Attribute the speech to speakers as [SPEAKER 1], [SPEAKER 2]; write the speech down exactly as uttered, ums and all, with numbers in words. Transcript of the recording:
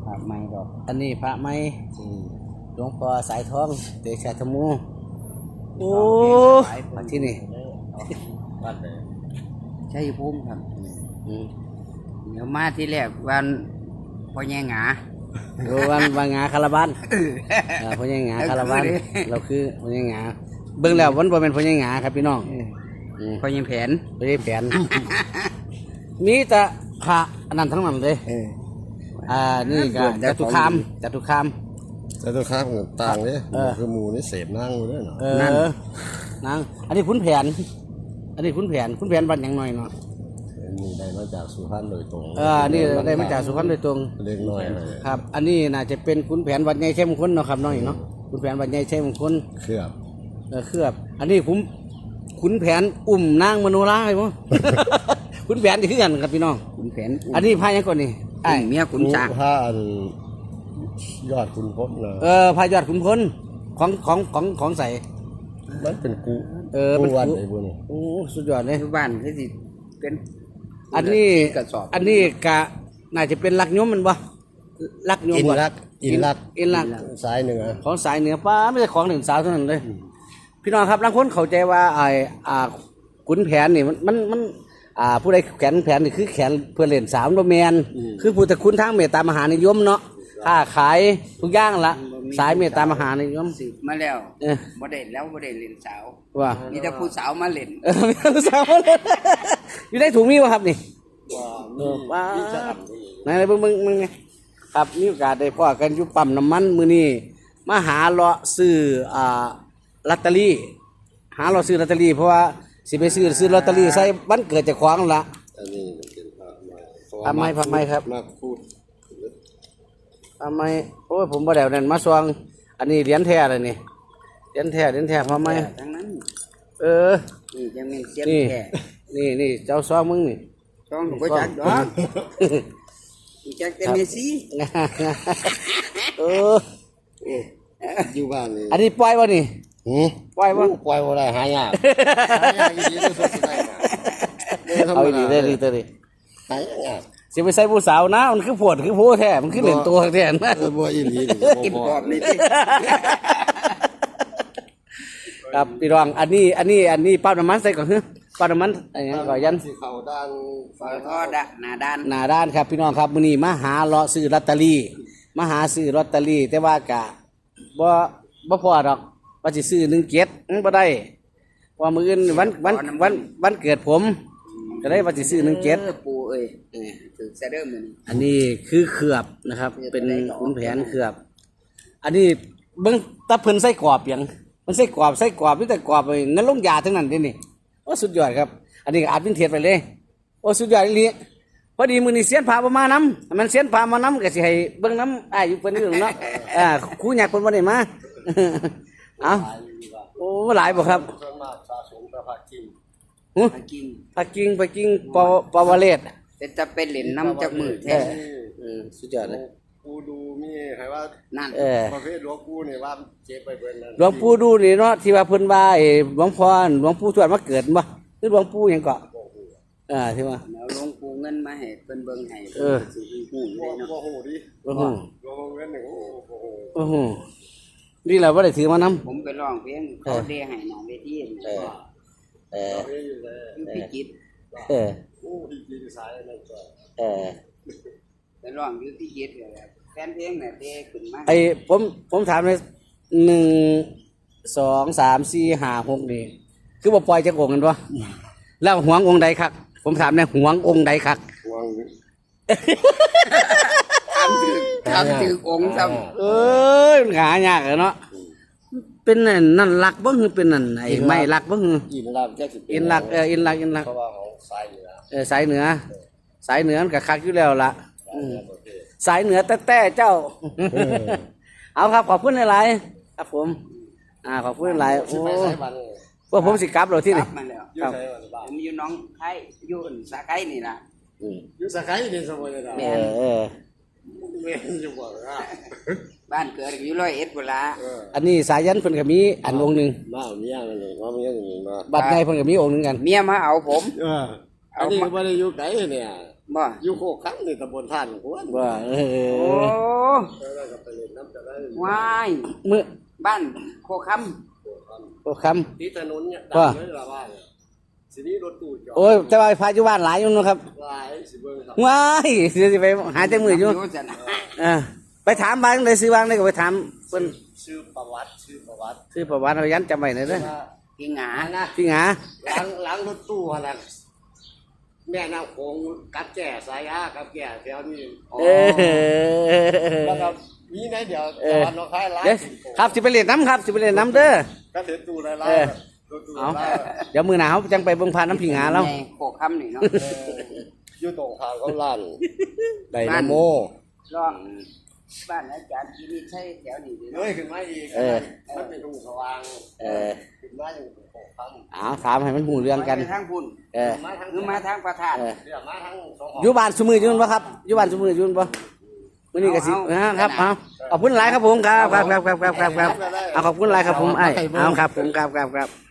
[SPEAKER 1] ระไม้ดอก
[SPEAKER 2] อันนี้พระไม้หลวงพ่อสายทองเดชะธมูโอ้มาที่นี่
[SPEAKER 1] บ้านเลยใช่ภูมิครับเดี๋ยวมาที่แรกวันพ่อแย่งา
[SPEAKER 2] วันวันงาคาราบานพ่อแย่งาคาราบานเราคือพ่อแย่งาเบื้องแล้ววันบ่เป็นพ่อแย่งาครับพี่น้อง
[SPEAKER 1] พ่อแย่แผน
[SPEAKER 2] พ่อแย่แผนมีแต่พระอันนั้นทั้งนั้นเลยอ่านี่ก็จตุคามจตุคาม
[SPEAKER 3] จตุคามต่างเนี่ยคือหมูนี่เสพนั่งเลยเนาะ
[SPEAKER 2] นั่งนั่งอันนี้ขุนแผนอันนี้ขุนแผนขุนแผนวันอย่างน้อยเนาะ
[SPEAKER 3] นี่ได้มาจากสุพรรณโดยตรง
[SPEAKER 2] เออนี่ได้มาจากสุพรรณโดยตรง
[SPEAKER 3] เล็กน้อย
[SPEAKER 2] ครับอันนี้น่าจะเป็นขุนแผนวัดใหญ่เข้มข้นเนาะครับน้อยเนาะขุนแผนวัดใหญ่เข้มข้น
[SPEAKER 3] เคลือบ
[SPEAKER 2] เออเคลือบอันนี้ขุนขุนแผนอุ่มนางมโนราใช่ไหมขุนแผนที่ขึ้นกันครับพี่น้อง
[SPEAKER 1] ขุนแผน
[SPEAKER 2] อันนี้พายยังก่อนนี่
[SPEAKER 1] ไอ้เมียขุนช้าง
[SPEAKER 3] ผ้าอันยอดขุนพลนะ
[SPEAKER 2] เออพายอดขุนพลของของของของใส่
[SPEAKER 3] มันเป็นกู
[SPEAKER 2] เออเป็น
[SPEAKER 3] กูไอ้บุญ
[SPEAKER 2] โอ้สุดยอดเลย
[SPEAKER 1] บ้านคือสิเป็น
[SPEAKER 2] อันนี้อันนี้กะน่าจะเป็นลักยมมันบ่ลักยม
[SPEAKER 3] อินลักอินลัก
[SPEAKER 2] อินลัก
[SPEAKER 3] สายเหนือ
[SPEAKER 2] ของสายเหนือป้าไม่ใช่ของหนึ่งสาวเท่านั้นเลยพี่น้องครับบางคนเข้าใจว่าไอ้อ่าขุนแผนนี่มันมันมันอ่าผู้ใดแขนแผนนี่คือแขนเพื่อเล่นสามโดแมนคือผู้ตะคุณทางเมตตามหานิยมเนาะค้าขายทุกอย่างละสายเมตตามหานิยม
[SPEAKER 1] สืบมาแล้วบ่ได้แล้วบ่ได้เล่นสาว
[SPEAKER 2] ว่า
[SPEAKER 1] มีแต่ผู้สาวมาเล่น
[SPEAKER 2] เออมีผู้สาวมาเล่นอยู่ได้ถุงมีวะครับนี่ว้าไหนไหนเบิ่งเบิ่งมึงไงครับมีโอกาสได้พ่อกันอยู่ปั๊มน้ำมันมื้อนี้มาหาเลาะซื้ออ่าลอตเตอรี่หาเลาะซื้อลอตเตอรี่เพราะว่าสิไปซื้อซื้อลอตเตอรี่ใส่วันเกิดจากของละ
[SPEAKER 3] อันนี้เป็น
[SPEAKER 2] พระไม้พระไม้ครับ
[SPEAKER 3] มาพูด
[SPEAKER 2] พระไม้โอ้ยผมบ่ได้นั่นมาซองอันนี้เหรียญแท้เลยนี่เหรียญแท้เหรียญแท้พระไม้
[SPEAKER 1] ทั้งนั้น
[SPEAKER 2] เออ
[SPEAKER 1] นี่จังแม่นเสียนแท้
[SPEAKER 2] นี่นี่เจ้าซองมึงนี่
[SPEAKER 1] ซองบ่จักดอกจักแต่เมซี่
[SPEAKER 2] เออ
[SPEAKER 3] อยู่บ้านนี่
[SPEAKER 2] อันนี้ปล่อยบ่นี่
[SPEAKER 3] หือ
[SPEAKER 2] ปล่อยบ่
[SPEAKER 3] ปล่อยบ่ได้หายากหายากดีที่สุดได้
[SPEAKER 2] เอาดีได้ดีตัวนี้
[SPEAKER 3] หายาก
[SPEAKER 2] สิไปใส่ผู้สาวนะมันคือปวดคือโพแท้มันคือเล่นตัวแท้นะ
[SPEAKER 3] เออบ่อีหลี
[SPEAKER 1] กินกรอบนี่ติ
[SPEAKER 2] ครับพี่รองอันนี้อันนี้อันนี้ปั๊มน้ำมันใส่ก่อนเฮ้ยปั๊มน้ำมันอันนี้ก่อนยัน
[SPEAKER 3] สิเข้าด้าน
[SPEAKER 1] ฝาท่อดะหน้าด้าน
[SPEAKER 2] หน้าด้านครับพี่น้องครับมื้อนี้มาหาเลาะซื้อลอตเตอรี่มาหาซื้อลอตเตอรี่แต่ว่ากะบ่บ่พอดอกว่าสิซื้อหนึ่งเจ็ดบ่ได้ว่ามื้ออื่นวันวันวันวันเกิดผมก็ได้ว่าสิซื้อหนึ่งเจ็ด
[SPEAKER 1] ปู่เอ้ยถือแซเดอร์มื้อนี้
[SPEAKER 2] อันนี้คือเคลือบนะครับเป็นขุนแผนเคลือบอันนี้เบิ่งตะเพิ่นใส่กรอบหยังมันใส่กรอบใส่กรอบมีแต่กรอบเงินลงยาทั้งนั้นเด้นี่โอ้สุดยอดครับอันนี้อาจเป็นเทียดไปเลยโอ้สุดยอดอีหลีพอดีมื้อนี้เสียนพาบ่มานำมันเสียนพามานํก็สิให้เบิ่งนำอ้ายอยู่เพิ่นอยู่เนาะอ่าครูอยากเพิ่นบ่ได้มาเอ้าโอ้หลายบ่ครับ
[SPEAKER 3] ส่วนมากสะสมแต่ผักกิน
[SPEAKER 2] ผักกิงผักกิงผักกิงปอปาวเลศ
[SPEAKER 1] เป็นจะเป็นเหรียญน้ำจากมือแท้
[SPEAKER 2] เออสุดยอดเลย
[SPEAKER 3] ปูดูมีให้ว่า
[SPEAKER 1] นั่น
[SPEAKER 3] ประเภทหลวงปู่นี่ว่าเจ็บไปเบิ่นนั่น
[SPEAKER 2] หลวงปู่ดูนี่เนาะที่ว่าเพิ่นว่าไอ้หลวงพ่อหลวงปู่ทวดมาเกิดบ่คือหลวงปู่หยังก็อ่าที่ว่า
[SPEAKER 1] แล้วหลวงปู่เงินมาให้เพิ่นเบิ่งให้
[SPEAKER 2] เออ
[SPEAKER 1] สิฮู้เลยเนาะ
[SPEAKER 3] โอ้โหดิ
[SPEAKER 2] โอ้โห
[SPEAKER 3] หลวงเงินนี่โอ้โห
[SPEAKER 2] โอ้โหนี่แหละบ่ได้ถือมานำ
[SPEAKER 1] ผมไปร้องเพลงเขาเดให้หน้าเวที
[SPEAKER 2] เออเออ
[SPEAKER 1] พิจิตร
[SPEAKER 2] เออ
[SPEAKER 3] โอ้พิจิตรสายนั่นจ้ะ
[SPEAKER 2] เออ
[SPEAKER 1] ไปร้องอยู่พิจิตรแหละแฟนเพลงน่ะเด้ขึ้นมา
[SPEAKER 2] ไอ้ผมผมถามเลยหนึ่ง สอง สาม สี่ ห้า หกนี่คือบ่ปล่อยจักองค์กันบ่แล้วหวงองค์ใดคักผมถามแน่หวงองค์ใดคัก
[SPEAKER 3] หวง
[SPEAKER 1] ทำถึงทำถึงองค์ซ้ำ
[SPEAKER 2] เอ้ยมันหายากเนาะเป็นนั่นนั่นลักบ่คือเป็นนั่นไอ้ไม้ลักบ่คือ
[SPEAKER 3] อินลักจักสิ
[SPEAKER 2] อินลักเอออินลักอินลัก
[SPEAKER 3] เพราะว่าของสายเหนือ
[SPEAKER 2] เออสายเหนือสายเหนือมันก็คักอยู่แล้วล่ะสายเหนือแต้ๆเจ้าเอาครับขอบคุณหลายๆครับผมอ่าขอบคุณหลายโอ้พวกผมสิกลับแล้วที่นี่
[SPEAKER 1] ครับผมอยู่น้องไข่อยู่สาไข่นี่ล่ะ
[SPEAKER 3] อยู่สาไข่นี่สมมุติว่า
[SPEAKER 2] เออเออ
[SPEAKER 3] แม่นอยู่บ่ล่ะ
[SPEAKER 1] บ้านเกิดอยู่ร้อยเอ็ดพุ่นล่ะ
[SPEAKER 2] อันนี้สายันเพิ่นก็มีอันองค์นึง
[SPEAKER 3] มาเอาเมียนั่นนี่ว่าเมียนี่มา
[SPEAKER 2] บัดไงเพิ่นก็มีองค์นึงกัน
[SPEAKER 1] เมียมาเอาผม
[SPEAKER 3] เอออันนี้บ่ได้อยู่ไกลเนี่ย
[SPEAKER 1] บ่
[SPEAKER 3] อยู่โคกครั้งนี่ตำบลท่านหัว
[SPEAKER 2] ว่าเอ
[SPEAKER 1] โอ้
[SPEAKER 2] อ
[SPEAKER 3] แล้วก็ไปเล่นน้ำจะได้
[SPEAKER 1] วาย
[SPEAKER 2] มือ
[SPEAKER 1] บ้านโคค
[SPEAKER 2] โอ้ค
[SPEAKER 3] ที่ถนนเนี่ยดังเลยละว่าสินี้รถตู้จอด
[SPEAKER 2] ำโอ้ยแต่ว่าพาอยู่บ้านหลายอยู่เนาะครับ
[SPEAKER 3] หลายสิเบิ่งครับ
[SPEAKER 2] ว้ายเดี๋ยวสิไปหาแต่มืออยู่
[SPEAKER 1] รู้จักนะ
[SPEAKER 2] เอ่าไปถามบ้างได้ซื้อบ้างได้ก็ไปถามเพิ่น
[SPEAKER 3] ชื่อประวัติชื่อประวัติ
[SPEAKER 2] ซื้อประวัติเอายันจำไว้หน่อยเด้อ
[SPEAKER 3] ว่า
[SPEAKER 1] กิงหา
[SPEAKER 3] นะ
[SPEAKER 2] พี่หา
[SPEAKER 3] หลังหลังรถตู้หั่นน่ะแม่น้ำโขงกับแก่สายอากับแก่แถวนี้
[SPEAKER 2] เออ
[SPEAKER 3] แล้วก็มีไหนเดี๋ยว
[SPEAKER 2] เอ
[SPEAKER 3] ตะ
[SPEAKER 2] อ
[SPEAKER 3] วันออกคายหลาย
[SPEAKER 2] เดี๋ยวครับสิไปเล่นน้ำครับสิไปเล่นน้ำเด้อ
[SPEAKER 3] ก็เห็นตู้หลาย
[SPEAKER 2] เออ
[SPEAKER 3] ๆรถตู้
[SPEAKER 2] เอา
[SPEAKER 3] หลาย
[SPEAKER 2] เดี๋ยวมือหนาวจังไปเบิ่งพานน้ำพิงหาแล้ว
[SPEAKER 1] ในโคคำนี่เนาะ
[SPEAKER 3] ๆเอออยู่ตรงทางเขาล้านไดนาโม
[SPEAKER 1] รอบ้านอาจารย์ที่นี่ใช่แถวนี้ดี
[SPEAKER 3] เล
[SPEAKER 1] เนาะ
[SPEAKER 3] ยขึ้นมาอีก
[SPEAKER 2] เออ
[SPEAKER 3] มันเป็นทุ่งสว่าง
[SPEAKER 2] เออ
[SPEAKER 3] ขึ้นมาอยู่ตรงโขกคำ
[SPEAKER 2] เอาถามให้มันหูเรื่องกัน
[SPEAKER 1] ไปทางพุ่น
[SPEAKER 2] เออ
[SPEAKER 3] มาทาง
[SPEAKER 1] หรือมาทางประธาน
[SPEAKER 2] เออ
[SPEAKER 3] เดี๋ยวมาทางสองห
[SPEAKER 2] อยู่บ้านสมืออยืนปะครับอยู่บ้านสมืออยืนปะมื้อนี้ก็สิ
[SPEAKER 1] เอาเอา
[SPEAKER 2] นะครับเอาขอบคุณหลายครับผมครับครับครับครับครับครับครับเอาขอบคุณหลายครับผมไอ้เอาครับผมครับครับครับ